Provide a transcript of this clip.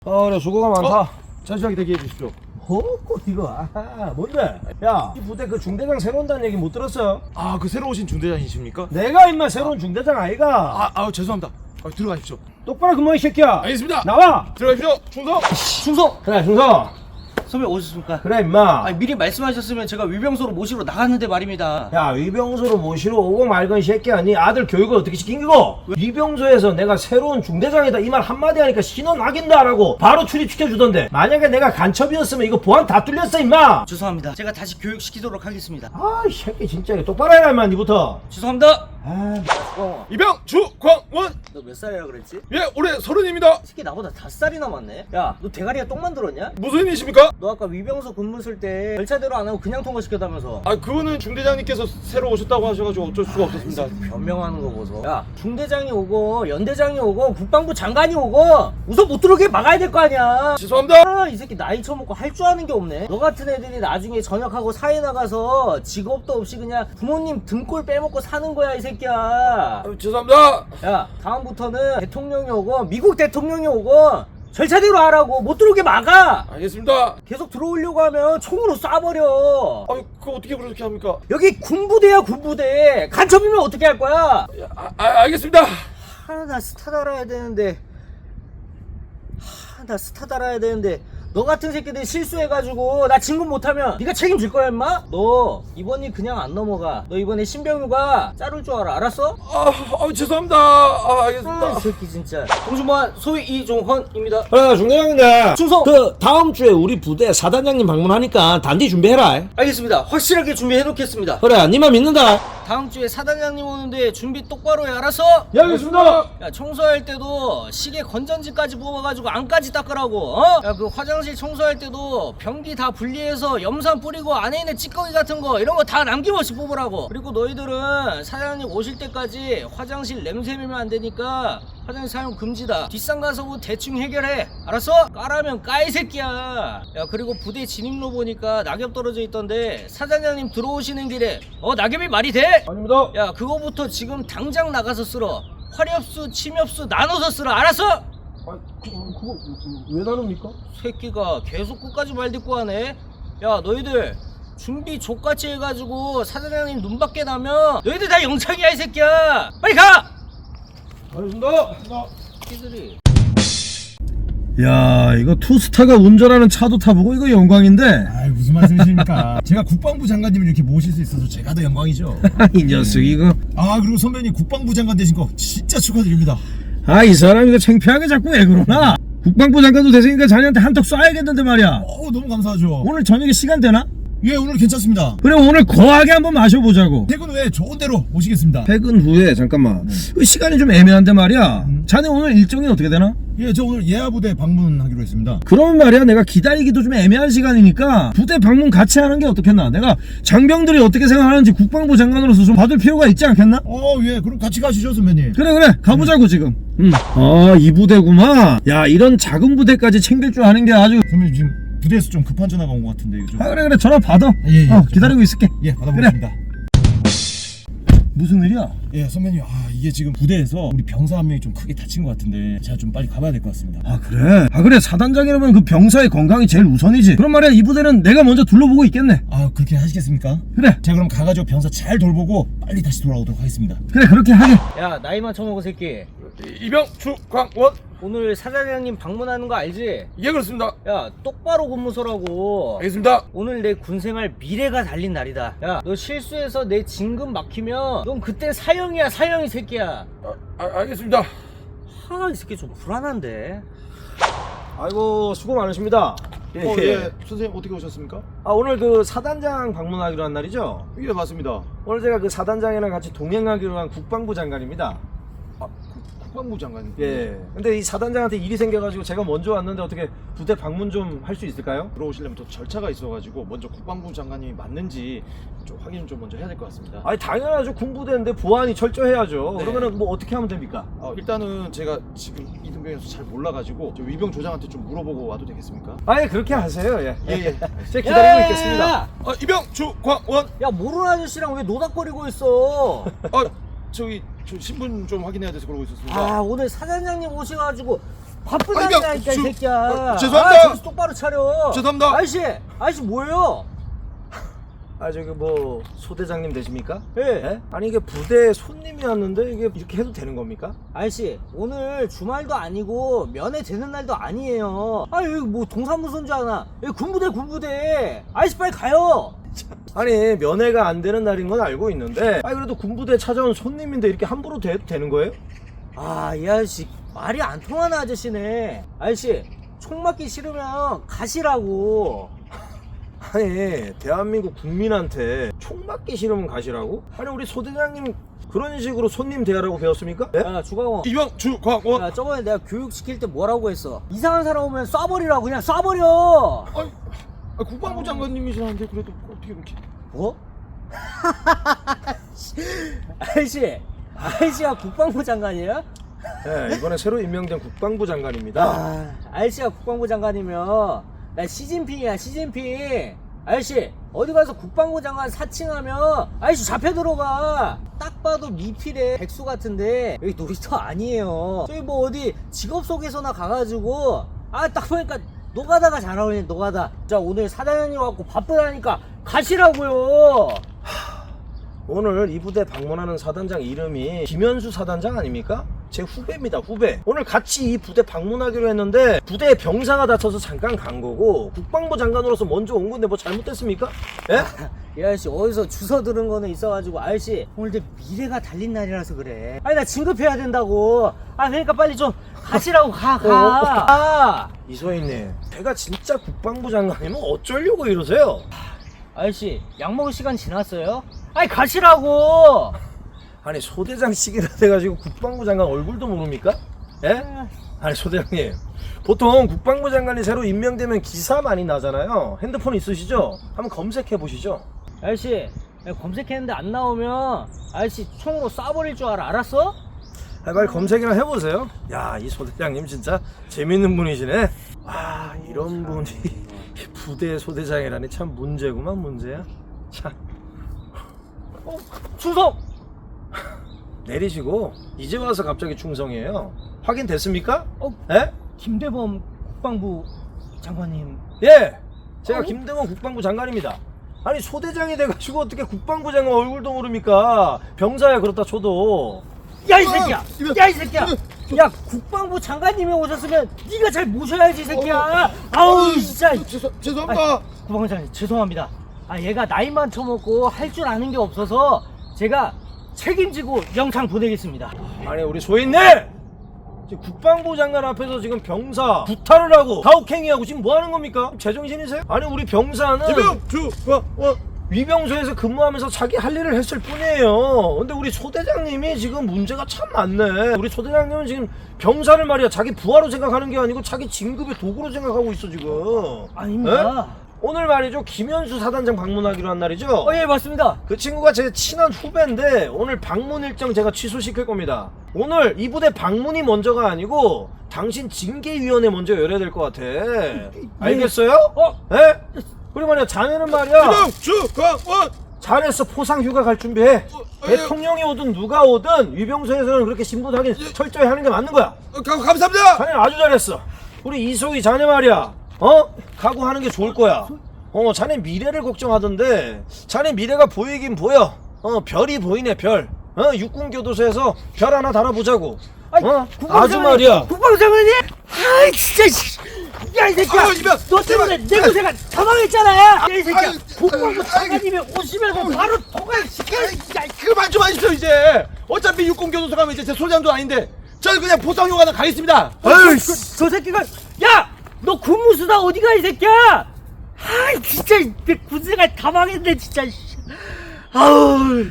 그래 수고가 많다. 자세하게 대기해 주십시오. 이거 뭔데? 야, 이 부대 그 중대장 새로 온다는 얘기 못 들었어? 아, 그 새로 오신 중대장이십니까? 내가 임마 새로운 중대장 아이가? 죄송합니다. 들어가십시오. 똑바로 근무해 이 새끼야. 알겠습니다. 나와. 들어가십시오. 충성. 충성! 그래 충성. 선배 오셨습니까? 그래 임마. 아니, 미리 말씀하셨으면 제가 위병소로 모시러 나갔는데 말입니다. 야, 위병소로 모시러 오고 말건 이 새끼야. 네 아들 교육을 어떻게 시킨 거고? 위병소에서 내가 새로운 중대장이다 이 말 한마디 하니까 신원 확인다라고 바로 출입시켜주던데, 만약에 내가 간첩이었으면 이거 보안 다 뚫렸어 임마. 죄송합니다. 제가 다시 교육시키도록 하겠습니다. 이 새끼 진짜 이거 똑바로 해라 임마 니부터. 죄송합니다. 아, 이병 주광원. 너 몇 살이라 그랬지? 이 예, 올해 30입니다. 새끼 나보다 5살이나 많네. 야, 너 대가리가 똥 만들었냐? 무슨 일이십니까? 너 아까 위병소 근무 쓸 때 절차대로 안 하고 그냥 통과시켰다면서. 그거는 중대장님께서 새로 오셨다고 하셔가지고 어쩔 수가 없었습니다. 변명하는 거 보소. 야, 중대장이 오고 연대장이 오고 국방부 장관이 오고 우선 못 들어오게 막아야 될 거 아니야. 죄송합니다. 이 새끼 나이 처먹고 할 줄 아는 게 없네. 너 같은 애들이 나중에 전역하고 사회 나가서 직업도 없이 그냥 부모님 등골 빼먹고 사는 거야 이 새끼야. 죄송합니다. 야, 다음부터는 대통령이 오고 미국 대통령이 오고 절차대로 하라고. 못 들어오게 막아. 알겠습니다. 계속 들어오려고 하면 총으로 쏴버려. 그거 어떻게 그렇게 합니까? 여기 군부대야 군부대. 간첩이면 어떻게 할 거야? 알겠습니다. 나 스타 달아야 되는데. 나 스타 달아야 되는데. 너 같은 새끼들 실수해가지고 나 진급 못하면 네가 책임질 거야 임마? 너 이번 일 그냥 안 넘어가. 너 이번에 신병휴가 자를 줄 알아. 죄송합니다. 알겠습니다. 이 새끼 진짜. 동주무관 소위 이종헌입니다. 그래 중대장인데 충성! 그 다음 주에 우리 부대 사단장님 방문하니까 단디 준비해라. 알겠습니다. 확실하게 준비해 놓겠습니다. 그래 니만 믿는다. 다음 주에 사단장님 오는데 준비 똑바로 해. 알았어? 예 알겠습니다. 야, 청소할 때도 시계 건전지까지 뽑아가지고 안까지 닦으라고. 야, 그 화장실 청소할 때도 변기 다 분리해서 염산 뿌리고 안에 있는 찌꺼기 같은 거 이런 거 다 남김없이 뽑으라고. 그리고 너희들은 사장님 오실 때까지 화장실 냄새 매면 안 되니까 화장실 사용 금지다. 뒷산 가서 뭐 대충 해결해. 알았어? 까라면 까 이 새끼야. 야, 그리고 부대 진입로 보니까 낙엽 떨어져 있던데 사장님 들어오시는 길에 낙엽이 말이 돼? 아닙니다. 야, 그거부터 지금 당장 나가서 쓸어. 화렵수 침엽수 나눠서 쓸어. 알았어? 그거 왜 나눕니까? 새끼가 계속 끝까지 말 듣고 하네. 야, 너희들 준비 족같이 해가지고 사장님 눈밖에 나면 너희들 다 영창이야 이 새끼야. 빨리 가! 알겠습니다. 새끼들이. 야 이거 투스타가 운전하는 차도 타보고 이거 영광인데. 무슨 말씀이십니까? 제가 국방부 장관님을 이렇게 모실 수 있어서 제가 더 영광이죠. 이 녀석 이거. 그리고 선배님 국방부 장관 되신 거 진짜 축하드립니다. 이 사람 이거 창피하게 자꾸 왜 그러나? 국방부 장관도 됐으니까 자네한테 한턱 쏴야겠는데 말이야. 너무 감사하죠. 오늘 저녁에 시간 되나? 예, 오늘 괜찮습니다. 그래 오늘 거하게 한번 마셔보자고. 퇴근 후에 좋은 대로 모시겠습니다. 퇴근 후에 잠깐만. 시간이 좀 애매한데 말이야. 자네 오늘 일정이 어떻게 되나? 예, 저 오늘 예하부대 방문하기로 했습니다. 그러면 말이야 내가 기다리기도 좀 애매한 시간이니까 부대 방문 같이 하는 게 어떻겠나? 내가 장병들이 어떻게 생각하는지 국방부 장관으로서 좀 봐둘 필요가 있지 않겠나? 예, 그럼 같이 가시죠, 선배님. 그래 가보자고 지금. 이 부대구만. 야 이런 작은 부대까지 챙길 줄 아는 게 아주. 선배님 지금 부대에서 좀 급한 전화가 온 것 같은데 이거 좀. 그래 전화 받아. 예, 기다리고 있을게. 예, 받아보겠습니다. 무슨 일이야? 예, 선배님, 이게 지금 부대에서 우리 병사 한 명이 좀 크게 다친 것 같은데 제가 좀 빨리 가봐야 될 것 같습니다. 그래 사단장이라면 그 병사의 건강이 제일 우선이지. 그럼 말이야 이 부대는 내가 먼저 둘러보고 있겠네. 그렇게 하시겠습니까? 그래 제가 그럼 가가지고 병사 잘 돌보고 빨리 다시 돌아오도록 하겠습니다. 그래 그렇게 하게. 야, 나이만 처먹은 새끼. 이병 주광원. 오늘 사장님 방문하는 거 알지? 예, 그렇습니다. 야, 똑바로 근무서라고. 알겠습니다. 오늘 내 군생활 미래가 달린 날이다. 야, 너 실수해서 내 진급 막히면 넌 그땐 사형이야, 사형 이 새끼야. 알겠습니다. 이 새끼 좀 불안한데. 아이고 수고 많으십니다. 예. 선생님 어떻게 오셨습니까? 오늘 그 사단장 방문하기로 한 날이죠? 예, 맞습니다. 오늘 제가 그 사단장이랑 같이 동행하기로 한 국방부 장관입니다. 국방부 장관님. 예. 근데 이 사단장한테 일이 생겨가지고 제가 먼저 왔는데 어떻게 부대 방문 좀 할 수 있을까요? 들어오시려면 또 절차가 있어가지고 먼저 국방부 장관님이 맞는지 좀 확인 좀 먼저 해야 될 것 같습니다. 당연하죠. 군부대인데 보안이 철저해야죠. 네. 그러면은 뭐 어떻게 하면 됩니까? 일단은 제가 지금 이등병에서 잘 몰라가지고 저 위병 조장한테 좀 물어보고 와도 되겠습니까? 예 그렇게 하세요. 예. 예. 제가 기다리고 있겠습니다. 야, 이병 주광원. 야, 모르는 아저씨랑 왜 노닥거리고 있어? 저 신분 좀 확인해야 돼서 그러고 있었습니다. 오늘 사장님 오셔가지고 바쁘다니까 이 주- 새끼야. 죄송합니다. 정신 똑바로 차려. 죄송합니다. 아저씨 뭐예요? 아 저기 뭐 소대장님 되십니까? 예. 아니 이게 부대 손님이었는데 이게 이렇게 해도 되는 겁니까? 아저씨 오늘 주말도 아니고 면회 되는 날도 아니에요. 아 여기 뭐 동사무소인 줄 아나? 여기 군부대. 아저씨 빨리 가요. 아니 면회가 안 되는 날인 건 알고 있는데 아니 그래도 군부대 찾아온 손님인데 이렇게 함부로 돼도 되는 거예요? 아 이 아저씨 말이 안 통하는 아저씨네. 아저씨 총 맞기 싫으면 가시라고. 아니 대한민국 국민한테 총 맞기 싫으면 가시라고? 아니 우리 소대장님 그런 식으로 손님 대하라고 배웠습니까? 예? 야 주광호. 이병 주광원. 야 저번에 내가 교육 시킬 때 뭐라고 했어? 이상한 사람 오면 쏴버리라고 그냥 쏴버려. 국방부 장관님이시라는데 그래도 어떻게 그렇게? 뭐? 아저씨가 국방부 장관이에요? 예, 이번에 새로 임명된 국방부 장관입니다. 아저씨가 국방부 장관이면 나 시진핑이야 시진핑. 아저씨 어디 가서 국방부 장관 사칭하면 아저씨 잡혀 들어가. 딱 봐도 미필의 백수 같은데 여기 놀이터 아니에요. 저기 뭐 어디 직업 소개서나 가가지고 딱 보니까 노가다가 잘 어울리네 노가다. 자 오늘 사장님 와갖고 바쁘다니까 가시라고요. 오늘 이 부대 방문하는 사단장 이름이 김현수 사단장 아닙니까? 제 후배입니다 후배. 오늘 같이 이 부대 방문하기로 했는데 부대에 병사가 다쳐서 잠깐 간 거고 국방부 장관으로서 먼저 온 건데 뭐 잘못됐습니까? 예? 이 아저씨 어디서 주워 들은 거는 있어가지고 아저씨 오늘 내 미래가 달린 날이라서 그래. 아니 나 진급해야 된다고. 그러니까 빨리 좀 가시라고 가. 이소희님 제가 진짜 국방부 장관이면 어쩌려고 이러세요? 아저씨 약 먹을 시간 지났어요? 아니 가시라고. 아니 소대장 시기라 돼가지고 국방부 장관 얼굴도 모릅니까? 예? 아니 소대장님 보통 국방부 장관이 새로 임명되면 기사 많이 나잖아요. 핸드폰 있으시죠? 한번 검색해 보시죠. 아저씨 내가 검색했는데 안 나오면 아저씨 총으로 쏴버릴 줄 알았어? 빨리 검색이나 해보세요. 야, 이 소대장님 진짜 재밌는 분이시네. 와, 이런 분이 부대 소대장이라니 참 문제구만 문제야. 참 충성! 내리시고 이제 와서 갑자기 충성이에요. 확인됐습니까? 어? 예? 김대범 국방부 장관님. 예, 제가 김대원 국방부 장관입니다. 아니 소대장이 돼가지고 어떻게 국방부 장관 얼굴도 모릅니까? 병사야 그렇다 쳐도. 야 이 새끼야! 야 이 새끼야! 야 국방부 장관님이 오셨으면 네가 잘 모셔야지 이 새끼야! 아우 진짜! 죄송합니다. 국방부 장관님 죄송합니다. 얘가 나이만 처먹고 할 줄 아는 게 없어서 제가 책임지고 영창 보내겠습니다. 아니 우리 소인님! 지금 국방부 장관 앞에서 지금 병사 구타를 하고 가혹행위하고 지금 뭐 하는 겁니까? 제정신이세요? 아니 우리 병사는 이병 주광원. 위병소에서 근무하면서 자기 할 일을 했을 뿐이에요. 근데 우리 소대장님이 지금 문제가 참 많네. 우리 소대장님은 지금 병사를 말이야 자기 부하로 생각하는 게 아니고 자기 진급의 도구로 생각하고 있어 지금. 아닙니다. 에? 오늘 말이죠 김현수 사단장 방문하기로 한 날이죠. 예 맞습니다. 그 친구가 제 친한 후배인데 오늘 방문 일정 제가 취소시킬 겁니다. 오늘 이 부대 방문이 먼저가 아니고 당신 징계위원회 먼저 열어야 될 것 같아. 알겠어요? 예? 그리고 말이야 자네는 말이야 이병 주광원. 잘했어. 포상휴가 갈 준비해. 대통령이 오든 누가 오든 위병소에서는 그렇게 신분 확인 철저히 하는 게 맞는 거야. 감사합니다. 자네는 아주 잘했어. 우리 이소희 자네 말이야 각오하는 게 좋을 거야. 자네 미래를 걱정하던데 자네 미래가 보이긴 보여. 별이 보이네 별. 육군교도소에서 별 하나 달아보자고. 아주 말이야. 국방부 장관님! 아이 진짜 야 이 새끼야! 이병! 너 때문에 내 고생가 다 망했잖아! 야 이 새끼야! 아유, 국방부 아유, 장관님이 오시면 바로 통과시켜! 그만 좀 하십시오 이제. 어차피 육군교도소 가면 이제 제 소장도 아닌데 저는 그냥 보상휴가나 가겠습니다. 아유 저 새끼가 야! 너 군무수다 어디가 이 새끼야! 아이 진짜 내 군생활 다 망했네 진짜. 아우